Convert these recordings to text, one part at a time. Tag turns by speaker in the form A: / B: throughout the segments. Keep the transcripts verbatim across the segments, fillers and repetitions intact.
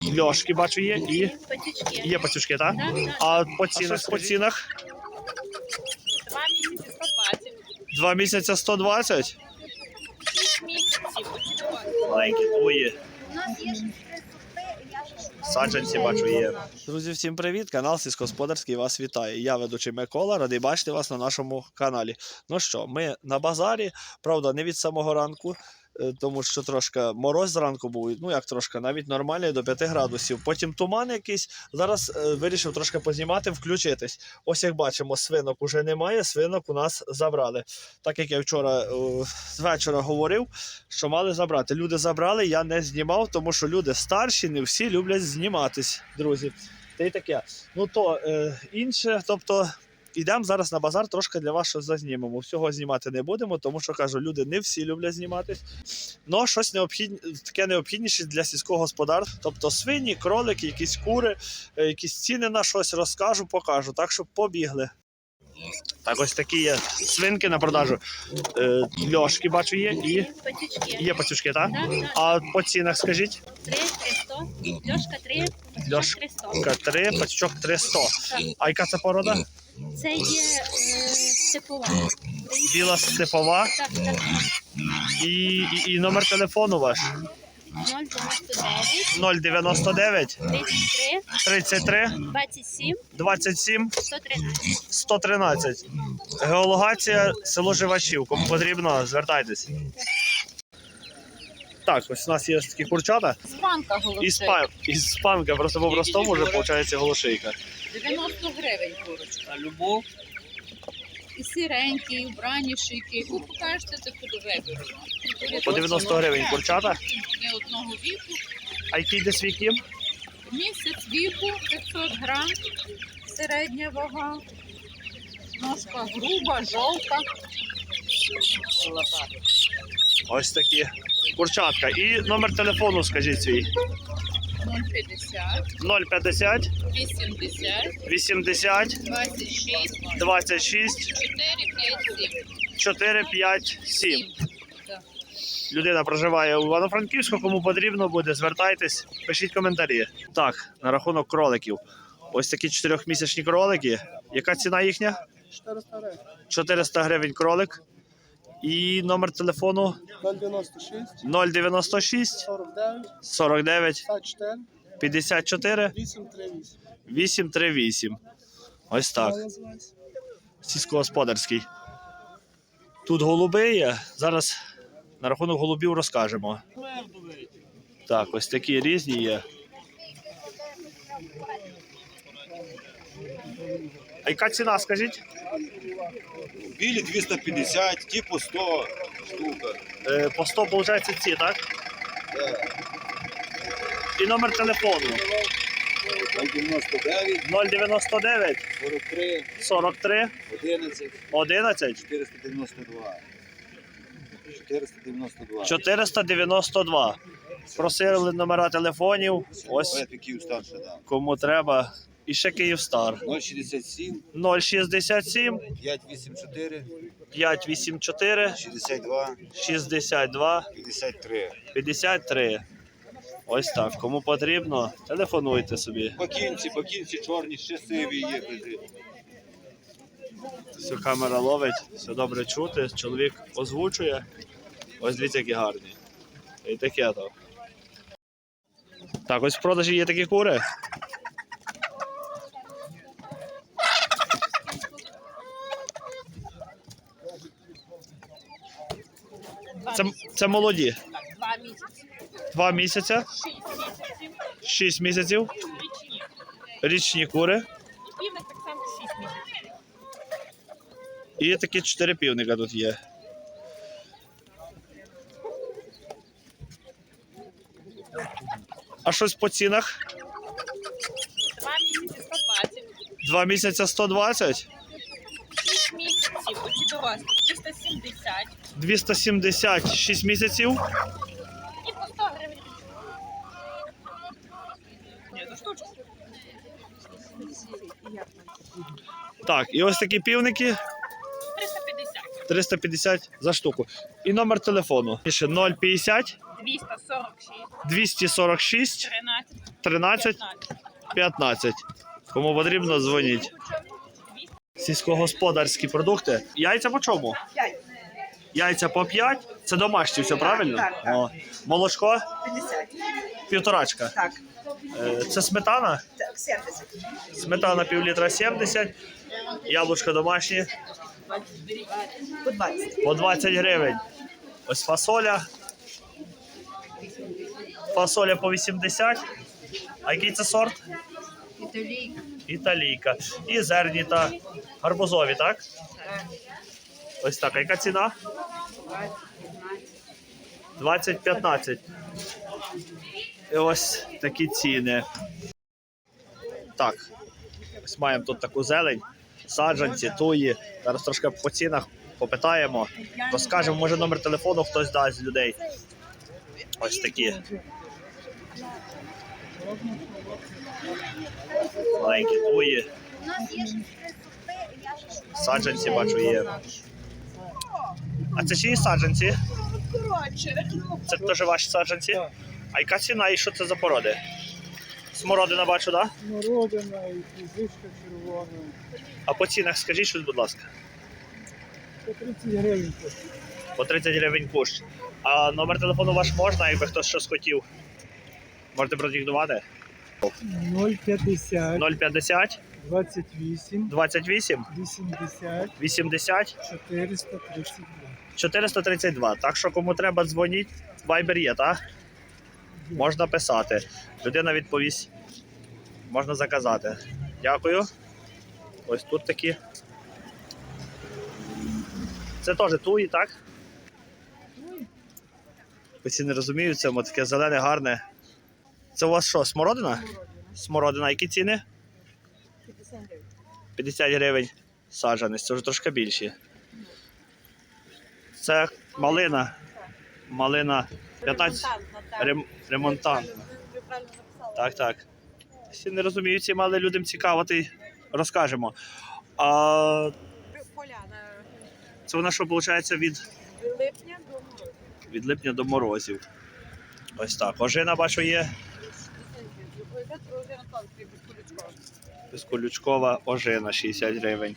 A: Льошки бачу є і
B: Патючки.
A: є пацюшки, так?
B: Так, так.
A: А по цінах, по цінах?
B: Два місяці сто двадцять.
A: Два місяці сто двадцять?
B: Шість місяців.
A: Маленькі твої.
B: У нас є ще три сорти, я ще шукаю.
A: Саджанці бачу є. Друзі, всім привіт! Канал Сільськогосподарський вас вітає. Я ведучий Микола, радий бачити вас на нашому каналі. Ну що, ми на базарі, правда, не від самого ранку, тому що трошки мороз зранку був, ну як трошки, навіть нормальний до п'яти градусів. Потім туман якийсь, зараз е, вирішив трошки познімати, включитись. Ось як бачимо, свинок уже немає, свинок у нас забрали. Так як я вчора е, з вечора говорив, що мали забрати. Люди забрали, я не знімав, тому що люди старші, не всі люблять зніматись, друзі. Та й таке. Ну то е, інше, тобто... Ідемо зараз на базар, трошки для вас щось зазнімемо. Всього знімати не будемо, тому що, кажу, люди не всі люблять зніматись. Ну, щось необхідне, таке необхідніше для сільського господарства. Тобто свині, кролики, якісь кури, якісь ціни на щось розкажу, покажу. Так що побігли. Так, ось такі є свинки на продажу. Е, Льошки бачу є і
B: Патючки.
A: є пацюшки, так?
B: Так, так.
A: А по цінах скажіть?
B: Три, триста. Льошка три,
A: Льошка
B: триста.
A: три, пацючок триста.
B: Так.
A: А яка це порода?
B: Це є е, степова.
A: Біла степова.
B: Так, так.
A: І, і, і номер телефону ваш?
B: нуль дев'яносто дев'ять.
A: нуль дев'яносто дев'ять
B: Тридцять три.
A: тридцять три
B: Двадцять сім.
A: двадцять сім
B: Сто тринадцять.
A: сто тринадцять. Геологація, село Живачів. Кому потрібно, звертайтесь. Так, ось у нас є такі курчата.
B: Спанка голошейка.
A: І спа... і спанка, просто по-простому вже виходить голошейка.
B: дев'яносто гривень курочка.
A: А любов?
B: І сиренькі, і вбрані шийки. Яку покажете, таку до вибору.
A: По дев'яносто гривень курчата.
B: Не одного віку.
A: А який десь віків?
B: Місяць віку, п'ятсот грам, середня вага, ножка груба, жовта.
A: Ось такі курчатка. І номер телефону скажіть свій.
B: нуль п'ятдесят,
A: нуль п'ятдесят
B: вісімдесят,
A: вісімдесят
B: двадцять шість,
A: двадцять шість
B: чотири п'ять
A: чотири п'ять
B: сім.
A: сім.
B: Так.
A: Людина проживає у Івано-Франківську, кому потрібно буде, звертайтесь, пишіть коментарі. Так, на рахунок кроликів. Ось такі чотирьохмісячні кролики. Яка ціна їхня?
C: чотириста гривень.
A: чотириста гривень кролик. І номер телефону
C: нуль дев'яносто шість,
A: нуль дев'яносто шість
C: сорок дев'ять,
A: сорок дев'ять
C: п'ятдесят чотири,
A: п'ятдесят чотири
C: вісім три вісім.
A: вісім три вісім. Ось так.
C: Називається.
A: Сільськогосподарський. Тут голуби є. Зараз на рахунок голубів розкажемо. Так, ось такі різні є. А яка ціна, скажіть?
D: Білі двісті п'ятдесят, ті по сто штука.
A: Е, по сто, виходить, ці, так? І номер телефону.
D: нуль дев'яносто дев'ять,
A: нуль дев'яносто дев'ять
D: сорок три,
A: сорок три
D: одинадцять,
A: одинадцять
D: чотириста дев'яносто два. чотириста дев'яносто два.
A: чотириста дев'яносто два. Просили номера телефонів. Ось
D: Петиків старше, да.
A: кому треба. І ще Київстар.
D: нуль шістдесят сім,
A: нуль шістдесят сім
D: п'ять вісім чотири,
A: п'ять вісім чотири
D: шістдесят два,
A: шістдесят два
D: п'ятдесят три.
A: п'ятдесят три. Ось так. Кому потрібно, телефонуйте собі.
D: Бакінці, бакінці чорні, ще сиві є.
A: Все, камера ловить, все добре чути. Чоловік озвучує. Ось дивіться, які гарні. І таке то. Так, ось в продажі є такі кури. Це, це молоді.
B: Два місяці.
A: Два місяці,
B: Шість місяців.
A: шість місяців.
B: Річні.
A: Річні кури.
B: І півник так само шість місяців.
A: І такі чотири півника тут є. А щось по цінах?
B: Два місяці сто двадцять.
A: Два місяці сто двадцять,
B: Шість місяців. Оці дорослі. триста сімдесят.
A: двісті сімдесят, шість місяців.
B: І по сто гривень. Ні, за штучку.
A: Так, і ось такі півники
B: триста п'ятдесят.
A: триста п'ятдесят за штуку. І номер телефону. Ще нуль п'ятдесят
B: двісті сорок шість.
A: двісті сорок шість
B: тринадцять.
A: тринадцять п'ятнадцять. Кому потрібно, дзвоніть. Сільськогосподарські продукти. Яйця по чому? Яйця по п'ять. Це домашні, все правильно?
E: Так, так.
A: О. Молочко
E: п'ятдесят.
A: півторачка.
E: Так,
A: Е, Це сметана.
E: так, сімдесят.
A: Сметана півлітра сімдесят. Яблучко домашні
E: По двадцять.
A: по двадцять гривень. Ось фасоля. Фасоля по вісімдесят. А який це сорт?
B: Італійка.
A: Італійка. І зерні та гарбузові, так? Ось так. А яка ціна? двадцять п'ятнадцять. І ось такі ціни. Так. Ось маємо тут таку зелень. Саджанці, туї. Зараз трошки по цінах попитаємо. Розкажемо, може номер телефону хтось дасть з людей. Ось такі. Маленькі туї. Саджанці, бачу, є. А це чиї саджанці? Це теж ваші саджанці? А яка ціна і що це за породи? Смородина бачу, так? Да?
C: Смородина і фізичка червона.
A: А по цінах скажіть щось, будь ласка.
C: По тридцять гривень.
A: По тридцять гривень кущ. А номер телефону ваш можна, якби хтось щось хотів? Можете продиктувати?
C: нуль п'ятдесят.
A: нуль п'ятдесят
C: двадцять вісім.
A: двадцять вісім
C: вісімдесят.
A: вісімдесят
C: чотириста тридцять два.
A: чотириста тридцять два. Так що кому треба, дзвоніть. Вайбер є, так? Можна писати. Людина відповість. Можна заказати. Дякую. Ось тут такі. Це теж туї, так? Всі не розуміють, це таке зелене, гарне. Це у вас що, смородина? Смородина. Які ціни? п'ятдесят гривень саджанець. Це вже трошки більші. Це малина. Малина п'ятнадцять. Рем... Ремонтант. Так, так. Всі не розуміють, ці мали людям цікаво, то й розкажемо. А це вона що, виходить, від...
E: Липня до морозу.
A: від липня до морозів. Ось так. Ожина, бачу, є. Безколючкова ожина, шістдесят гривень.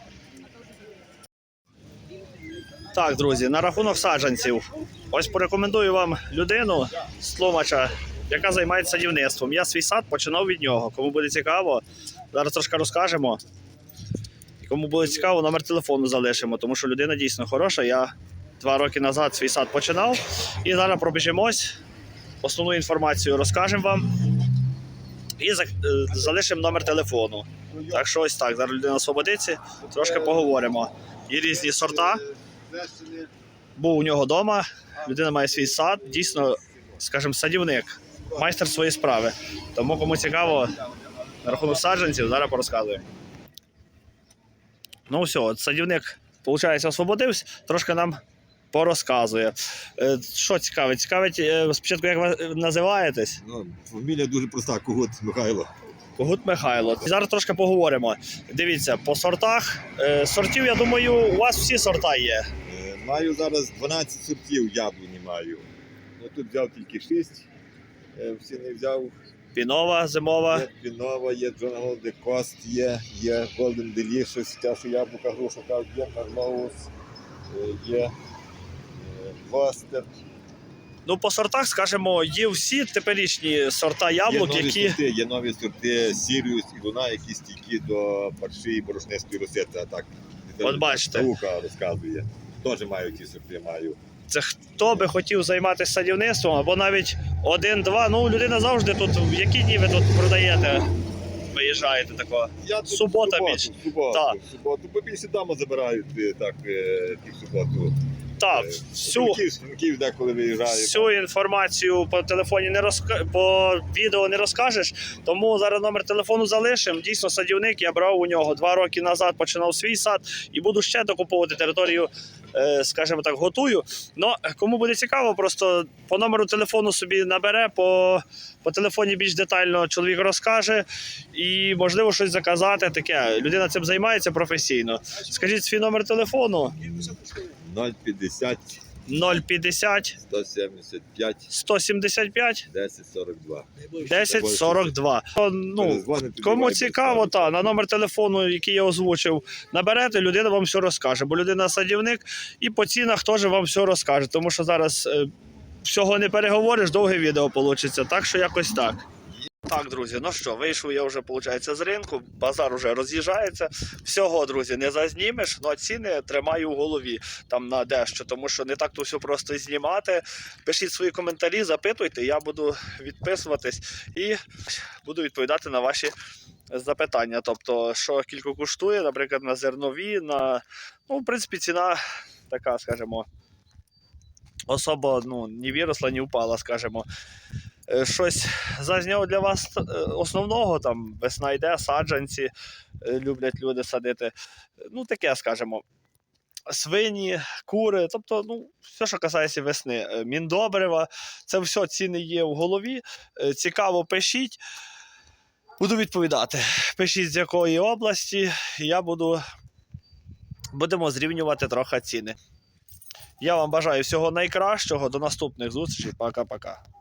A: Так, друзі, на рахунок саджанців. Ось порекомендую вам людину з Тлумача, яка займається садівництвом. Я свій сад починав від нього. Кому буде цікаво, зараз трошки розкажемо. І кому буде цікаво, номер телефону залишимо, тому що людина дійсно хороша. Я два роки назад свій сад починав. І зараз пробіжимось, основну інформацію розкажемо вам. І залишимо номер телефону. Так що ось так, зараз людина освободиться, трошки поговоримо. Є різні сорта. Був у нього вдома, людина має свій сад, дійсно, скажімо, садівник, майстер своєї справи. Тому кому цікаво, на рахунок саджанців, зараз порозказуємо. Ну все, от садівник, виходить, освободився, трошки нам порозказує. Е, Що цікавить? Цікавить, е, спочатку, як ви називаєтесь?
F: Ну, фамілія дуже проста, Когут Михайло.
A: Когут Михайло. Зараз трошки поговоримо. Дивіться, по сортах. Е, Сортів, я думаю, у вас всі сорта є.
F: Е, Маю зараз дванадцять сортів яблуні маю. Ну, тут взяв тільки шість, е, всі не взяв.
A: Пінова, зимова.
F: Є Пінова, є Джон Голде Кост, є, є Golden Delicious, те, що яблука, грушка, є Марлоус, є е, Гостер.
A: Ну, по сортах, скажімо, є всі теперішні сорта яблук,
F: є нові
A: які...
F: сорти, є нові сорти Сіріус і Луна, які стійкі до парші і борошнистої розсети, а так.
A: От бачите.
F: Наука розказує. Теж маю ті сорти, маю.
A: Це хто би хотів займатися садівництвом, або навіть один-два. Ну, людина завжди тут, в які дні ви тут продаєте, виїжджаєте такого?
F: Я тут
A: Субота
F: в суботу,
A: більш.
F: в суботу,
A: Так.
F: в суботу, бо більше дома забирають е, так, е, ті в суботу.
A: Так,
F: Е,
A: всю,
F: Франків, Франків деколи виїжджають.
A: всю інформацію по телефоні не розка... по відео не розкажеш, тому зараз номер телефону залишимо. Дійсно, садівник, я брав у нього два роки назад, починав свій сад і буду ще докуповувати територію, е, скажімо так, готую. Но кому буде цікаво, просто по номеру телефону собі набере, по, по телефоні більш детально чоловік розкаже і, можливо, щось заказати таке. Людина цим займається професійно. Скажіть свій номер телефону.
F: нуль п'ятдесят
A: нуль п'ятдесят
F: сто сімдесят п'ять
A: сто сімдесят п'ять
F: десять сорок два.
A: десять сорок два. Ну,
F: Перезвоните,
A: кому
F: давайте,
A: цікаво,
F: ставте.
A: та, на номер телефону, який я озвучив, наберете, людина вам все розкаже. Бо людина садівник і по цінах теж вам все розкаже. Тому що зараз е, всього не переговориш, довге відео вийде. Так що якось так. Так, друзі, ну що, вийшов я вже, виходить, з ринку, базар вже роз'їжджається. Всього, друзі, не зазнімеш, але ціни тримаю в голові там на дещо, тому що не так то все просто знімати. Пишіть свої коментарі, запитуйте, я буду відписуватись і буду відповідати на ваші запитання. Тобто, що кілько коштує, наприклад, на зернові, на, ну, в принципі, ціна така, скажімо, особо, ну, не виросла, не впала, скажімо. Е, Щось зазняв для вас е, основного, там весна йде, саджанці е, люблять люди садити. Ну, таке, скажімо, свині, кури, тобто, ну, все, що касається весни. Е, Міндобрива, це все ціни є в голові. Е, Цікаво, пишіть. Буду відповідати. Пишіть, з якої області, і я буду, будемо зрівнювати трохи ціни. Я вам бажаю всього найкращого, до наступних зустрічей, пока-пока.